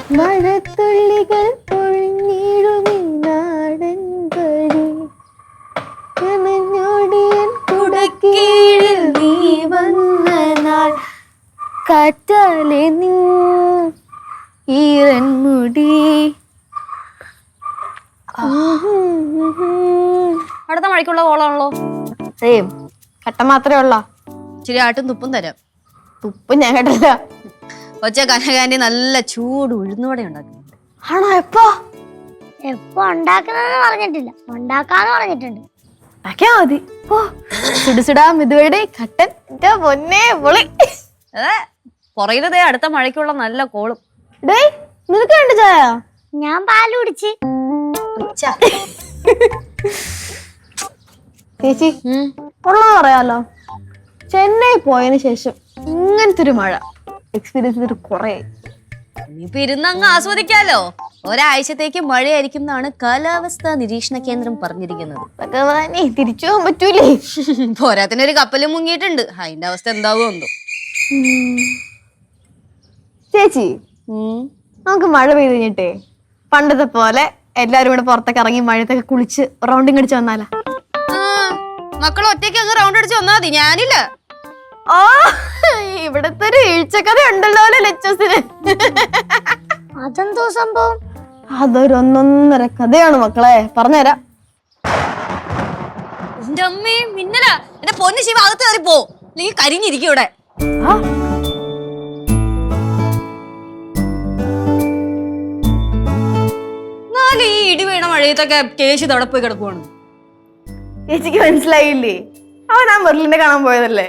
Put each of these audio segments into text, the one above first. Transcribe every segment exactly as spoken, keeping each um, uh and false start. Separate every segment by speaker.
Speaker 1: മഴത്തുള്ളികൾ പൊഴിഞ്ഞിടുമീ നാടൻ വഴി കനഞ്ഞോടിയൻ കുടക്കീഴിൽ നീ വന്ന നാൾ കാറ്റാലെ നീ ഈറൻ മുടി.
Speaker 2: അടുത്ത മഴയ്ക്കുള്ള കോളാണല്ലോ.
Speaker 1: സെയിം കട്ട മാത്രമേ ഉള്ള.
Speaker 2: ഇച്ചിരി ആട്ടും തുപ്പും തരാം.
Speaker 1: തുപ്പ് ഞാൻ കേട്ടില്ല.
Speaker 2: ഒച്ച കനകാന്റി നല്ല ചൂട് ഉഴുന്നുവട ഉണ്ടാക്കുന്നുണ്ട്.
Speaker 1: ആണോ? എപ്പോ
Speaker 3: എപ്പോ ഉണ്ടാക്കുന്നതെന്ന് പറഞ്ഞിട്ടില്ല, ഉണ്ടാക്കാന്ന് പറഞ്ഞിട്ടുണ്ട്.
Speaker 1: ഉണ്ടാക്കിയാ മതി. ഓ സുടുസുടാ മിതുവയുടെ കട്ടൻ എന്റെ പൊന്നേ പൊളി.
Speaker 2: അതെ പുറയിലതേ അടുത്ത മഴയ്ക്കുള്ള നല്ല കോളും.
Speaker 1: ഡേയ് നിനക്ക് വേണ്ട ചായ?
Speaker 3: ഞാൻ പാല് കുടിച്ച്.
Speaker 1: ചേച്ചി ഉള്ളത് പറയാലോ, ചെന്നൈ പോയതിനു ശേഷം ഇങ്ങനത്തെ ഒരു മഴ എക്സ്പീരിയൻസ് ചെയ്തിട്ട് കുറേ.
Speaker 2: ഇനിയിപ്പൊ ഇരുന്നങ്ങ് ആസ്വദിക്കാലോ. ഒരാഴ്ചത്തേക്ക് മഴയായിരിക്കും എന്നാണ് കാലാവസ്ഥാ നിരീക്ഷണ കേന്ദ്രം പറഞ്ഞിരിക്കുന്നത്.
Speaker 1: ഭഗവാനെ തിരിച്ചു പോകാൻ പറ്റൂലേ?
Speaker 2: പോരാത്തിനൊരു കപ്പലും മുങ്ങിയിട്ടുണ്ട്. അതിന്റെ അവസ്ഥ എന്താവോ എന്തോ.
Speaker 1: ചേച്ചി നമുക്ക് മഴ പെയ്ത് കഴിഞ്ഞിട്ടേ പണ്ടത്തെ പോലെ എല്ലാരും കൂടെ പുറത്തൊക്കെ ഇറങ്ങി മഴത്തൊക്കെ കുളിച്ച് റൗണ്ടിങ് അടിച്ച് വന്നാലാ?
Speaker 2: മക്കൾ ഒറ്റയ്ക്ക് അങ്ങ് റൗണ്ട് അടിച്ച് വന്നാ മതി, ഞാനില്ല.
Speaker 1: ഓ ഇവിടത്തെ ഒരു വീഴ്ചക്കഥ ഉണ്ടല്ലോ ലച്ചസിന്.
Speaker 3: അതെന്തോ സംഭവം?
Speaker 1: അതൊരു ഒന്നൊന്നര കഥയാണ് മക്കളെ, പറഞ്ഞുതരാം.
Speaker 2: എന്റെ അമ്മേ മിന്നല, എന്റെ പൊന്നു ശിവ അകത്ത് കയറി പോ, അല്ലെങ്കിൽ കരിഞ്ഞിരിക്കും ഇവിടെ. നാല് ഈ ഇടി വീണ മഴയത്തൊക്കെ കേശു അവിടെ പോയി കിടക്കുവാണ്.
Speaker 1: ചേച്ചിക്ക് മനസ്സിലായില്ലേ? അവൻ ആ മെർലിനെ കാണാൻ പോയതല്ലേ?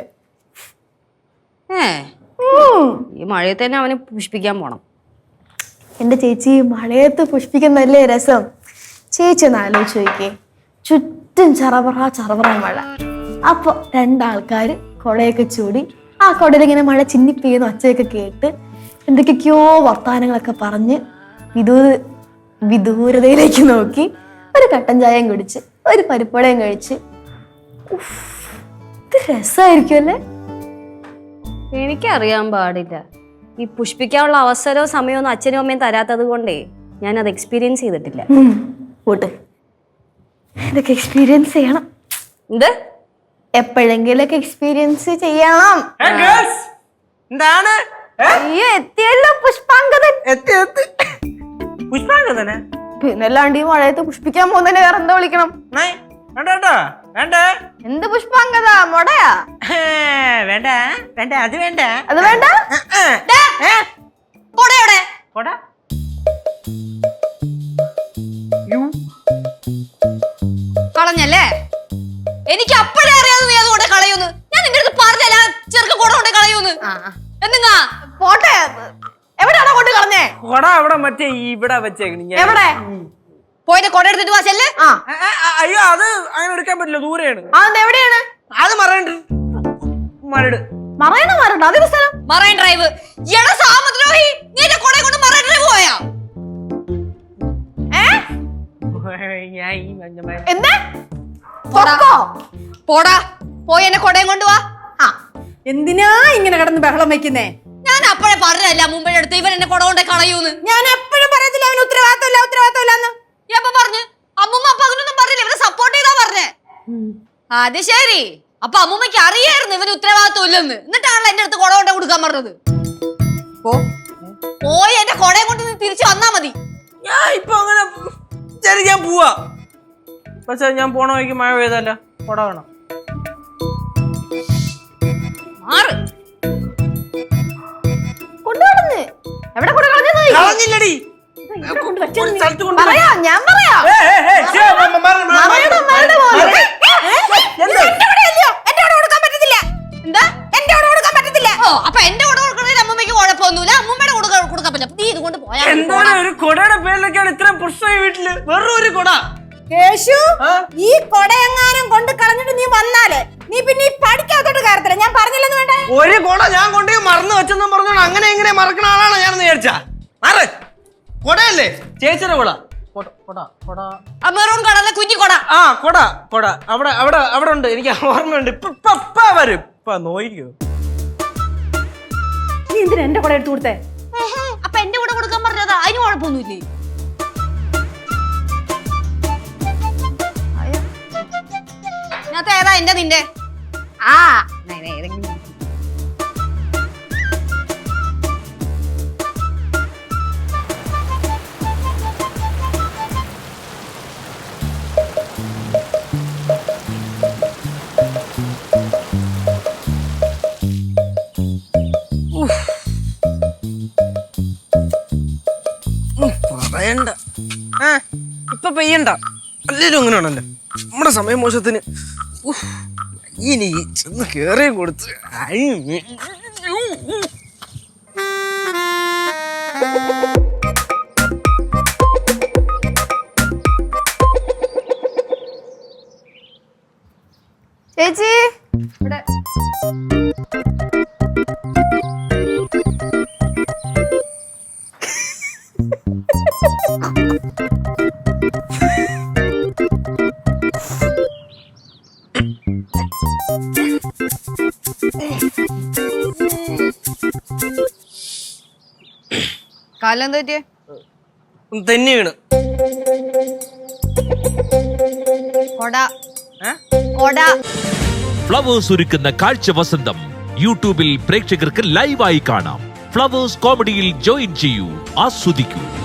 Speaker 2: ഏ ഈ മഴയത്ത് തന്നെ അവന് പുഷ്പിക്കാൻ പോണം.
Speaker 1: എന്റെ ചേച്ചി മഴയത്ത് പുഷ്പിക്കുന്നല്ലേ രസം. ചേച്ചി ഒന്ന് ആലോചിച്ച് നോക്കിയേ, ചുറ്റും ചറപറ ചറപറ മഴ. അപ്പൊ രണ്ടാൾക്കാര് കൊടയൊക്കെ ചൂടി ആ കൊടയിൽ ഇങ്ങനെ മഴ ചിന്നിപ്പെയ്യുന്ന ഒച്ചയൊക്കെ കേട്ട് എന്തൊക്കെയൊക്കെയോ വർത്താനങ്ങളൊക്കെ പറഞ്ഞ് വിദൂ വിദൂരതയിലേക്ക് നോക്കി ഒരു കട്ടൻ ചായയും കുടിച്ച് ഒരു പരിപ്പടയും കഴിച്ച് ഇത് രസമായിരിക്കും അല്ലേ?
Speaker 2: എനിക്കറിയാൻ പാടില്ല. ഈ പുഷ്പിക്കാനുള്ള അവസരവും സമയവും അച്ഛനും അമ്മയും തരാത്തത് കൊണ്ടേ ഞാൻ അത് എക്സ്പീരിയൻസ് ചെയ്തിട്ടില്ല.
Speaker 1: പോട്ട് ഇതൊക്കെ എക്സ്പീരിയൻസ് ചെയ്യണം.
Speaker 2: എന്ത്
Speaker 1: എപ്പോഴെങ്കിലൊക്കെ എക്സ്പീരിയൻസ് ചെയ്യണം.
Speaker 4: എന്താണ്?
Speaker 1: അയ്യോ എത്തിയല്ലോ പുഷ്പാങ്കതൻ.
Speaker 4: പുഷ്പാങ്കതനെ
Speaker 1: പിന്നല്ലാണ്ട് ഈ മഴയത്ത് പുഷ്പിക്കാൻ പോകുന്നതിനെ വേറെ എന്താ വിളിക്കണം? എന്ത് പുഷ്പാങ്കത? മൊടയാ?
Speaker 4: വേണ്ട വേണ്ട അത് വേണ്ട
Speaker 1: അത് വേണ്ട.
Speaker 2: കളഞ്ഞല്ലേ? എനിക്ക് അപ്പോഴേ അറിയാതെ നീ അതുകൊണ്ട് കളയൂന്ന്. ഞാൻ നിന്റെ അടുത്ത് പറഞ്ഞല്ല ചെറുക്ക കൂടെ കൊണ്ട് കളയൂന്ന്. എന്തിങ്ങാ
Speaker 1: പോട്ടെ, എവിടെയാണോ കൊണ്ട് കളഞ്ഞേ?
Speaker 4: കൊട അവിടെ മറ്റേ ഇവിടെ വെച്ചേക്കണ.
Speaker 1: എവിടെ
Speaker 2: പോയിട്ട് കൊട എടുത്തിട്ട് വാശല്ലേ?
Speaker 4: അയ്യോ അത് അങ്ങനെ എടുക്കാൻ പറ്റില്ല, ദൂരെയാണ്.
Speaker 1: അത് എവിടെയാണ്?
Speaker 4: അത് മറണ്ട് മരട്
Speaker 1: മറയണ മരണ്ട് അതൊരു സ്ഥലം.
Speaker 2: Marine Drive. എടാ സാമുദ്രോഹി, നീ എന്റെ കൊട കൊണ്ട് മറൈൻ ഡ്രൈവ് പോയാ?
Speaker 1: എന്താ
Speaker 2: പോടാ, പോയി എന്നെ കൊടയും കൊണ്ടുവാ.
Speaker 5: എന്തിനാ ഇങ്ങനെ കിടന്ന് ബഹളം വെക്കുന്നേ?
Speaker 2: ഞാൻ അപ്പോഴേ പറഞ്ഞല്ല മുമ്പേ എടുത്ത് ഇവൻ എന്നെ കൊട കൊണ്ട് കളയൂന്ന്.
Speaker 5: ഞാൻ എപ്പോഴും പറയത്തില്ല അവന് ഉത്തരവാദിത്തമില്ല ഉത്തരവാദിത്തമില്ലെന്ന്.
Speaker 2: എപ്പ പറഞ്ഞു? അമ്മൂമ്മ അപ്പൊ അങ്ങനൊന്നും പറഞ്ഞില്ല, ഇവരെ സപ്പോർട്ട് ചെയ്താ പറഞ്ഞേ. അത് ശരി, അപ്പൊ അമ്മൂമ്മക്ക് അറിയായിരുന്നു ഇവന് ഉത്തരവാദിത്വം ഇല്ലെന്ന്. എന്നിട്ടാണല്ലോ എന്റെ അടുത്ത് കൊട കൊണ്ട് കൊടുക്കാൻ പറഞ്ഞത്. പോയി എന്റെ കൊടയും കൊണ്ട് നീ തിരിച്ചു വന്നാ മതി.
Speaker 4: ഞാൻ ഇപ്പൊ അങ്ങനെ ശരി ഞാൻ പോവാ. പക്ഷെ ഞാൻ പോണ വഴിക്ക് മഴ പെയ്തല്ല, കൊട വേണം.
Speaker 2: മാറ്
Speaker 1: കൊണ്ടുവന്ന് എവിടെ കൊണ്ട് കളഞ്ഞത്?
Speaker 4: കളഞ്ഞില്ലടി,
Speaker 1: പറയാ ഞാൻ പറയാ.
Speaker 2: എന്താ എന്റെ കൊട കൊടുക്കാൻ പറ്റത്തില്ല? ഓ അപ്പൊ എന്റെ കൊട കൊടുക്കണതിൽ അമ്മൂമ്മക്ക് കുഴപ്പമൊന്നുമില്ല, അമ്മൂമ്മയുടെ കൊട കൊടുക്കാൻ പറ്റില്ല. നീ ഇതുകൊണ്ട് പോയാ
Speaker 4: എന്താണ് ഒരു കൊടയുടെ പേരിലൊക്കെയാണ് ഇത്രയും പ്രശ്നം വീട്ടില്? വെറും ഒരു കൊട.
Speaker 5: കേശു, ഈ കൊടയെങ്ങാനും കൊണ്ട് കളഞ്ഞിട്ട് നീ വന്നാലേ നീ പിന്നെ ഈ പഠിക്കാത്തോട്ട് കയറത്തില്ല. ഞാൻ പറഞ്ഞില്ലെന്ന് വേണ്ടേ?
Speaker 4: ഒരു കൊട ഞാൻ കൊണ്ടുപോയി മറന്നു വെച്ചെന്നും പറഞ്ഞോണ്ട് അങ്ങനെ എങ്ങനെ മറക്കണ ആളാണ് ഞാൻ വിചാരിച്ച. മാറ്, കൊടയല്ലേ ചേച്ചിയുടെ കൊട.
Speaker 2: മെറൂൺ കളറിലെ കുഞ്ഞി കൊട.
Speaker 4: ആ കൊട കൊട അവിടെ അവിടെ അവിടെ ഉണ്ട്, എനിക്ക് ഓർമ്മയുണ്ട്. ഇപ്പൊ വരും. ഇപ്പൊ നോയിക്കോ.
Speaker 5: നീ എന്തിനാ എന്റെ കൊട എടുത്തു കൊടുത്തേ?
Speaker 2: അപ്പൊ എന്റെ കൂടെ കൊടുക്കാൻ പറഞ്ഞതാ. കുഴപ്പമൊന്നുമില്ലേ? ഇതിനകത്ത് ഏതാ എന്റെ നിന്റെ? ആ നേ- നേ, ഏതെങ്കിലും
Speaker 4: പറയണ്ട. ആ ഇപ്പൊ പെയ്യണ്ട. അല്ലേലും അങ്ങനെയാണല്ലോ നമ്മുടെ സമയം മോശത്തിന്. ഉഫ്, ഇനി ചെന്ന് കേറിയും കൊടുത്ത് ഐ,
Speaker 1: ചേച്ചി
Speaker 2: ഇവിടെ കാലം എന്താ പറ്റിയേ?
Speaker 4: തെന്നി വീണ്.
Speaker 2: കൊട കൊട
Speaker 6: ഫ്ലവേഴ്സ് ഒരുക്കുന്ന കാഴ്ച വസന്തം യൂട്യൂബിൽ പ്രേക്ഷകർക്ക് ലൈവായി കാണാം. ഫ്ലവേഴ്സ് കോമഡിയിൽ ജോയിൻ ചെയ്യൂ, ആസ്വദിക്കൂ.